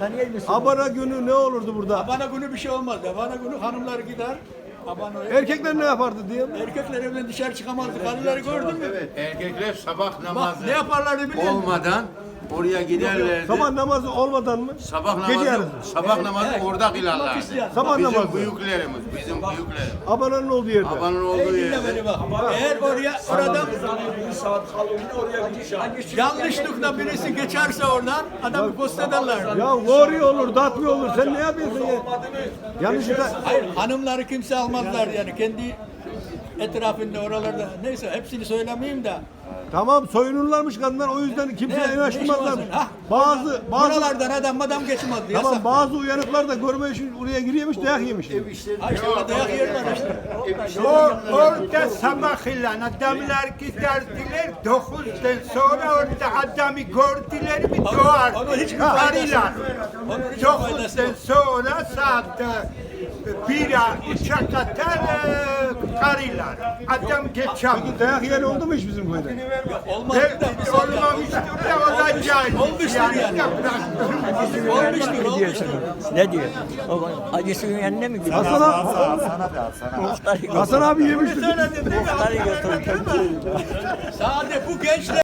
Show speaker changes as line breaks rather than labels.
Tanıyor musun?
Abana günü ne olurdu burada?
Abana günü bir şey olmaz. Abana günü hanımlar gider. Abana
Erkekler ne yapardı diye mi?
erkekler evden dışarı çıkamazdı. Karıları gördün mü?
Erkekler sabah
Bak
namazı
ne yaparlardı biliyor musun?
olmadan oraya giderlerdi.
Sabah namazı olmadan mı?
Sabah
Gece
namazı,
yarısı.
sabah namazı orada kılarlardı.
isteyen.
Sabah
Bizim
namazı.
büyüklerimiz, bizim büyüklerimiz.
Abananın olduğu yerde.
Abanın
Ey
olduğu
dinle
yerde.
beni bak. Eğer oradan yanlışlıkla birisi geçerse oradan adamı post ederler.
Ya lori olur, datmi olur. Sen ne yapıyorsun ya? Yanlışlıkla.
Hayır hanımları kimse almazlar yani kendi etrafında oralarda neyse hepsini söylemeyeyim de
Tamam soyunurlarmış kadınlar o yüzden kimseye
Ne
yanaştırmazlarmış.
işi var
Bazı
buralardan adam geçmezdi.
tamam
Yasak.
bazı uyanıklar da görme için oraya giriyormuş dayak yemiş.
Ha işte orada dayak yerler işte.
Orada sabah ilan adamlar giderdiler 9'dan sonra orada adamı gördüler mi doğar.
Onun hiçbir faydası
Arılar.
Onun hiçbir faydası
9'dan
yok.
sonra saat 1'e uçak atar karılar. Adam geçer.
Peki dayak yiyen oldu mu hiç bizim köyde?
Olmaz da misal ya.
Olmamıştır da olacak.
Olmuştur yani. Olmuştur.
Ne diyor? O acısının yanına mı gidiyor?
Hasan abi,
Muhtarı
Hasan abi yemiştir.
Muhtarı götürür.
Sadece bu gençler